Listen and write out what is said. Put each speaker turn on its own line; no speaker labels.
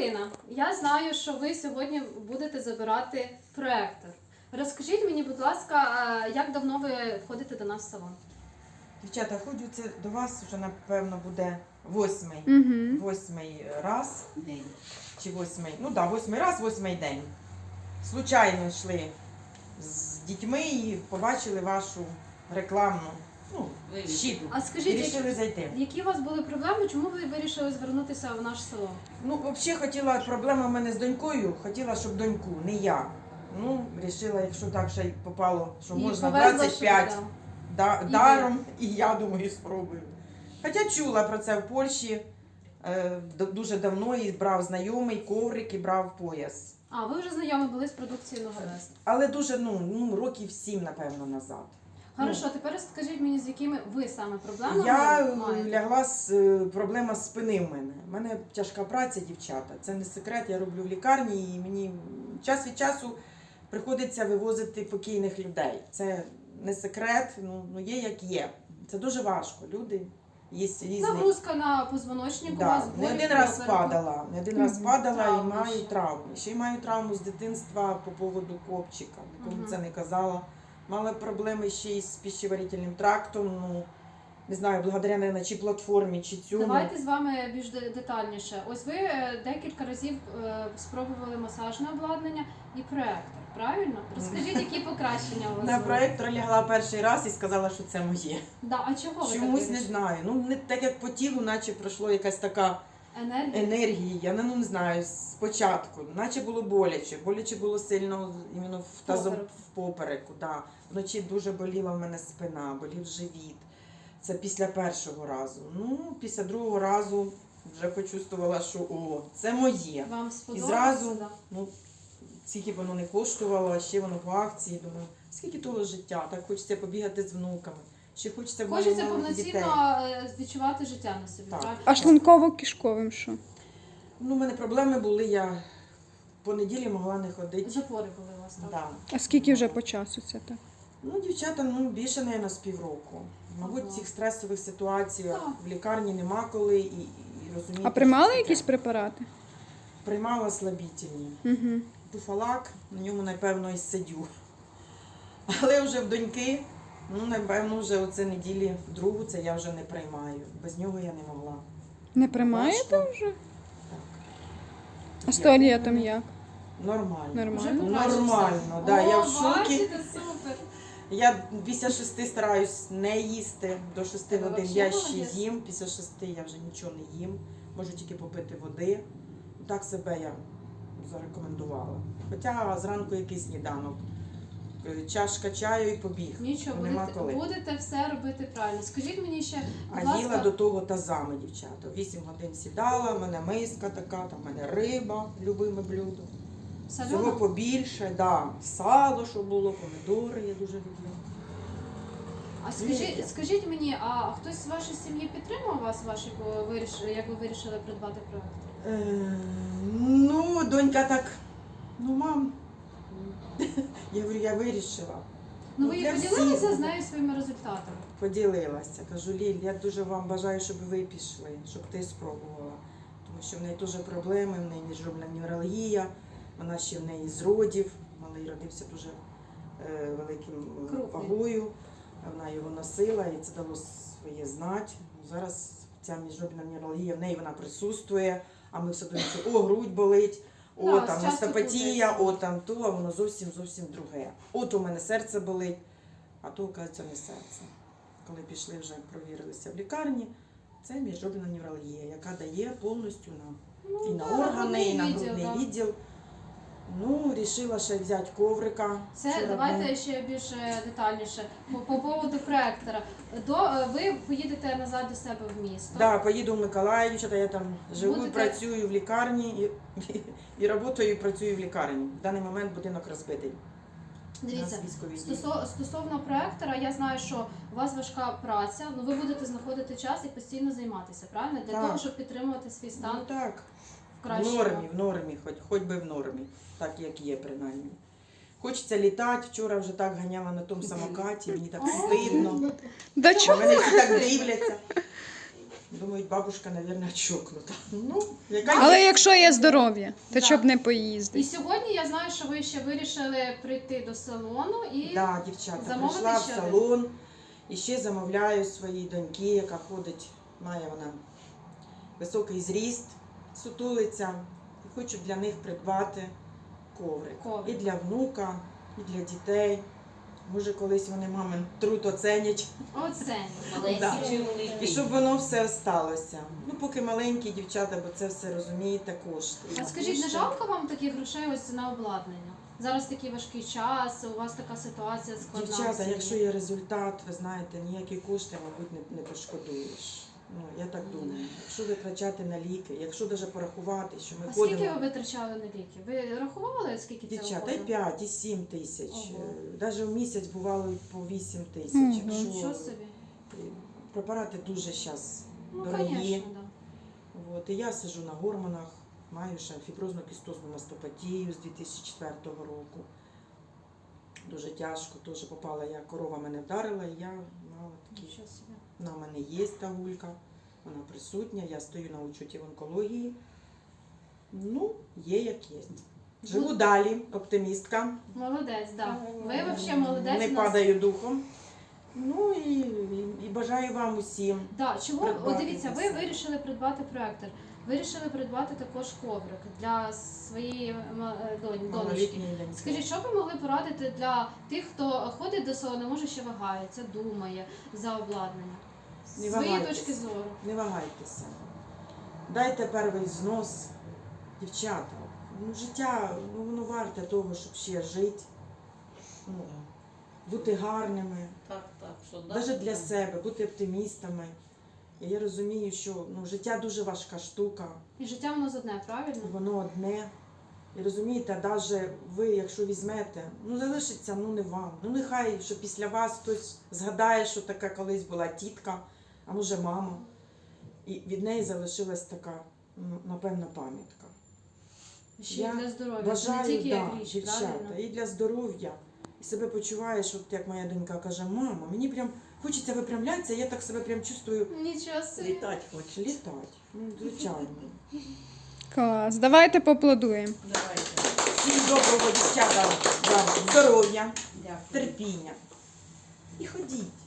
Ірина, я знаю, що ви сьогодні будете забирати проектор. Розкажіть мені, будь ласка, як давно ви входите до нас в салон?
Дівчата, ходжу це до вас вже, напевно, буде восьмий раз.
День.
Чи восьмий, ну так, восьмий раз, восьмий день. Случайно йшли з дітьми і побачили вашу рекламну, щит.
А
І
скажіть,
вирішили зайти.
які у вас були проблеми, чому ви вирішили звернутися в наш салон?
Ну, взагалі хотіла, проблема в мене з донькою, хотіла, щоб доньку, не я. Ну, вирішила, якщо так ще й попало, що
І
можна
повезла,
25
що,
даром, і я думаю, спробую. Хоча чула про це в Польщі дуже давно, і брав знайомий коврик і брав пояс.
А, ви вже знайомі були з продукцією Нововест.
Але дуже, років 7, напевно, назад.
Хорошо, тепер скажіть мені, з якими ви саме проблемами
Я
маєте?
лягла проблема з спини в мене. У мене тяжка праця, дівчата. Це не секрет, я роблю в лікарні і мені час від часу приходиться вивозити покійних людей. Це не секрет, є як є. Це дуже важко. Люди є різні.
Нагрузка на позвоночник у
Да,
вас,
не
болі
один
в
раз
попереку.
падала, і
Травми
маю
ще.
травми. Ще й маю травму з дитинства по поводу копчика. Нікому
Мгм.
це не казала. Мала проблеми ще й з пищеварительним трактом. Не знаю, благодаря, наверное, чи платформі, чи цьому.
Давайте з вами більш детальніше. Ось ви декілька разів спробували масажне обладнання і проектор, правильно? Розкажіть, які покращення у вас
На
були?
проектор лягла перший раз і сказала, що це моє.
Да, а чого ви
Чомусь
так
не
вирішили?
знаю. Не так як по тілу, наче пройшло якась така
Енергія?
енергія. Я не знаю, спочатку. Наче було боляче. Боляче було сильно іменно
Поперек.
в попереку. Да. Вночі дуже боліла в мене спина, болів живіт. Це після першого разу. Після другого разу вже почувствувала, що це моє.
Вам
І
сподобалося?
зразу,
Да.
скільки б воно не коштувало, а ще воно по акції, думаю, скільки того життя, так хочеться побігати з внуками, ще хочеться
Хочеться
малих дітей.
повноцінно відчувати життя на собі,
Так.
правильно?
А шлунково-кишковим що?
У мене проблеми були, я в понеділі могла не ходити.
Запори були у вас, так?
Да.
А скільки вже по часу це так?
Дівчата, більше, мабуть, з півроку. Мабуть,
Ага.
цих стресових ситуаціях
Так.
в лікарні нема коли і розумієте.
А приймали
що це
якісь
таке.
препарати?
Приймала слабітельні.
Угу.
Туфалак, на ньому, напевно, і сидю. Але вже в доньки, напевно, вже оце неділі другу, це я вже не приймаю. Без нього я не могла.
Не приймаєте
Важко.
вже?
Так.
А з туалетом як?
Нормально.
Нормально?
Вже покращився?
Нормально, да, я в
О,
шокі.
бачите, супер.
Я після 6 стараюсь не їсти. До 6
Тебе
годин
вообще
я ще
молодець.
їм. Після 6 я вже нічого не їм. Можу тільки попити води. Так себе я зарекомендувала. Хоча зранку якийсь сніданок. Чашка чаю і побіг.
Нічого,
Нема коли.
будете все робити правильно. Скажіть мені ще, будь
А їла
ласка,
до того тазами, дівчата. 8 годин сідала, в мене миска така, там в мене риба, любиме блюдо. Всього
сальоно?
побільше, да. Сало, що було, помідори я дуже люблю.
А
Ні.
скажіть мені, а хтось з вашої сім'ї підтримав вас, як ви вирішили придбати проект?
Донька так, мам, я говорю, я вирішила.
Ну ви
для
поділилися
всіх.
з нею своїми результатами?
Поділилася. Кажу, Ліль, я дуже вам бажаю, щоб ви пішли, щоб ти спробувала. Тому що в неї теж проблеми, в неї міжробна невралгія, вона ще в неї з родів, малий родився дуже великим
Крупний.
вагою, вона його носила і це дало своє знати. Зараз ця міжробна невралгія, в неї вона присутствує, а ми все думаємо, що грудь болить,
Да,
там
часто
остеопатія,
крутиться.
там то, а воно зовсім друге. От у мене серце болить, а то, оказується, не серце. Коли пішли вже провірилися в лікарні, це міжробна невралгія, яка дає повністю і на органи, і на грудний
да.
відділ. Рішила ще взяти коврика.
Це
Вчора
давайте
був.
ще більш детальніше. По поводу проектора. Ви поїдете назад до себе в місто.
Да, поїду в Миколаїв, я там живу,
Будете-
працюю в лікарні, і працюю і працюю в лікарні. В даний момент будинок розбитий.
Дивіться,
У нас військові дії.
стосовно проектора, я знаю, що у вас важка праця, ви будете знаходити час і постійно займатися, правильно? Для
Так.
того, щоб підтримувати свій стан
Так.
в
В
кращому.
нормі, хоч би в нормі, так як є принаймні. Хочеться літати, вчора вже так ганяла на тому самокаті, мені так стидно.
Да
А
чого?
мене всі так дивляться. Думають, бабушка, мабуть, чокнута. Ну, яка
Але
є.
якщо є здоров'я, то
Да.
щоб не
І
поїздити.
сьогодні я знаю, що ви ще вирішили прийти до салону і
Да, дівчата,
замовити
прийшла в
ще
салон і ще замовляю своїй доньки, яка ходить, має вона високий зріст, сутулиця. І хочу для них придбати коврик.
Коврик.
І для внука, і для дітей. Може, колись вони мамин труд оценять.
оце.
Да. І щоб воно все осталося. Ну, поки маленькі дівчата, бо це все розумієте, кошти.
А скажіть, не жалко вам таких грошей ось на обладнання? Зараз такий важкий час, у вас така ситуація складна. в
Дівчата,
сім'ї.
якщо є результат, ви знаєте, ніякі кошти, мабуть, не пошкодуєш. Ну, я так думаю. Якщо витрачати на ліки, якщо навіть порахувати, що ми
А скільки
ходимо.
ви витрачали на ліки? Ви рахували, скільки це
Дівчата, і
виходить?
5, і 7 тисяч.
Ого.
Навіть в місяць бувало і по 8 тисяч.
Мгм.
Якщо
Нічого собі.
препарати дуже зараз
Ну,
дорогі.
звісно, да.
От, і я сиджу на гормонах, маю ще фіброзну кістозну мастопатію з 2004 року. Дуже тяжко, теж попала я, корова мене вдарила, і я мала такі.
Нічого собі.
Вона в мене є та гулька, вона присутня, я стою на учеті в онкології. Ну, є як є. Живу далі, оптимістка.
Молодець, да. Ви взагалі молодець.
Не
у нас.
падаю духом. Ну і бажаю вам усім.
Да, чому?
Придбати
От дивіться, ви
все.
вирішили придбати проектор. Вирішили придбати також коврик для своєї донечки.
Малолітньої доньки.
Скажіть, що ви могли порадити для тих, хто ходить до салону, може ще вагається, думає за обладнання? З
Не
своєї
вагайтесь.
точки зору.
Не вагайтеся. Дайте перший взнос. Дівчата, ну, життя, ну, воно варте того, щоб ще жити, ну, бути гарними,
Так, що да.
навіть для себе, бути оптимістами. І я розумію, що ну, життя дуже важка штука,
І життя воно з одне, правильно?
і воно одне. І розумієте, навіть ви, якщо візьмете, ну залишиться, ну не вам. Ну нехай, що після вас хтось згадає, що така колись була тітка, а може мама. І від неї залишилась така, ну, напевно, пам'ятка.
Ще й
Я
для здоров'я. Це не
Бажаю,
тільки як
да,
річ,
дівчата,
правильно?
і для здоров'я. І себе почуваєш, от як моя донька каже, мама, мені прям хочеться випрямлятися, я так себе прям чувствую
Нічого собі.
Літати хоче.
літати. Ну, звичайно.
Клас. Давайте поаплодуємо.
Давайте.
Всім доброго, дівчата, вам здоров'я,
Дякую.
терпіння. І ходіть.